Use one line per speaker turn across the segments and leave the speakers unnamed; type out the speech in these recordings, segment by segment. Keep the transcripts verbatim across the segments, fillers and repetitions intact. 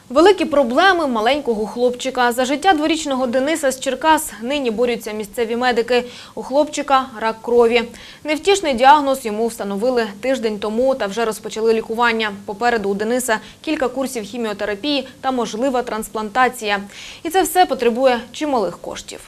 Великі проблеми маленького хлопчика. За життя дворічного Дениса з Черкас нині борються місцеві медики. У хлопчика – рак крові. Невтішний діагноз йому встановили тиждень тому та вже розпочали лікування. Попереду у Дениса кілька курсів хіміотерапії та можлива трансплантація. І це все потребує чималих коштів.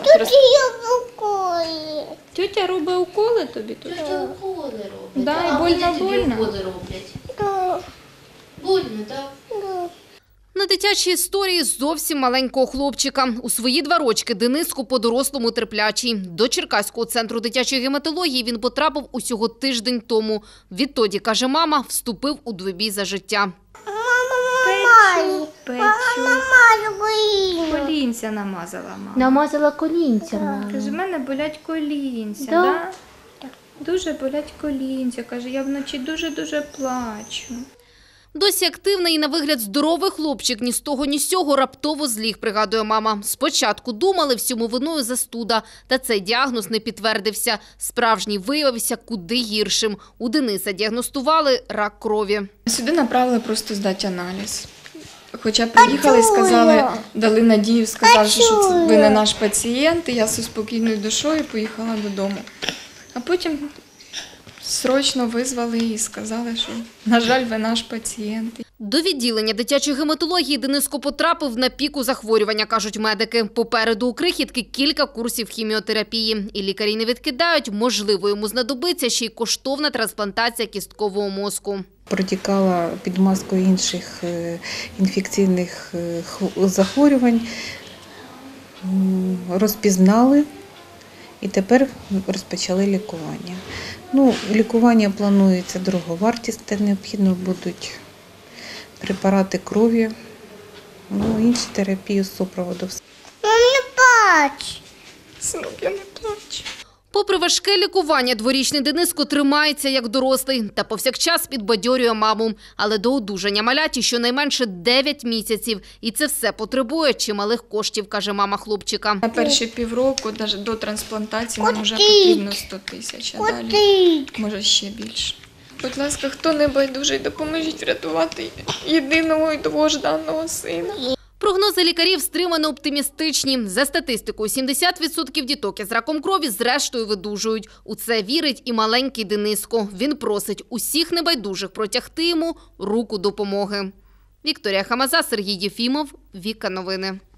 Тетя робить уколи тобі тут?
Тетя уколи робить.
Да,
а
і больно,
вони тобі
больно?
уколи роблять? Больно, так?
На дитячій історії зовсім маленького хлопчика. У свої два рочки Дениску по-дорослому терплячий. До Черкаського центру дитячої гематології він потрапив усього тиждень тому. Відтоді, каже мама, вступив у двобій за життя.
Печу, печу. Колінця намазала мама.
Намазала колінця, мама.
Каже, в мене болять колінця,
Да?
да? Дуже болять колінця. Каже, я вночі дуже-дуже плачу.
Досі активний і на вигляд здоровий хлопчик ні з того, ні з сього раптово зліг, пригадує мама. Спочатку думали, всьому виною застуда, та цей діагноз не підтвердився. Справжній виявився куди гіршим. У Дениса діагностували рак крові.
Сюди направили просто здати аналіз. Хоча приїхали, сказали, дали надію, сказали, що це ви не наш пацієнт, і я зі спокійною душою поїхала додому. А потім срочно визвали і сказали, що, на жаль, ви наш пацієнт.
До відділення дитячої гематології Дениско потрапив на піку захворювання, кажуть медики. Попереду у крихітки кілька курсів хіміотерапії. І лікарі не відкидають, можливо, йому знадобиться ще й коштовна трансплантація кісткового мозку.
Протікала під маскою інших інфекційних захворювань, розпізнали і тепер розпочали лікування. Ну, лікування планується дороговартісне, необхідно будуть препарати крові, ну, інші терапії з супроводу.
Не плач.
Синок, я не плачу.
Попри важке лікування, дворічний Дениско тримається як дорослий та повсякчас підбадьорює маму. Але до одужання маляті щонайменше дев'ять місяців. І це все потребує чималих коштів, каже мама хлопчика.
На перші півроку, навіть до трансплантації, нам вже потрібно сто тисяч, а далі може ще більше. Будь ласка, хто не байдужий, допоможіть врятувати єдиного і довгожданого сина.
Прогнози лікарів стримано оптимістичні. За статистикою, сімдесят відсотків діток із раком крові зрештою видужують. У це вірить і маленький Дениско. Він просить усіх небайдужих протягти йому руку допомоги. Вікторія Хамаза, Сергій Єфімов, Віка Новини.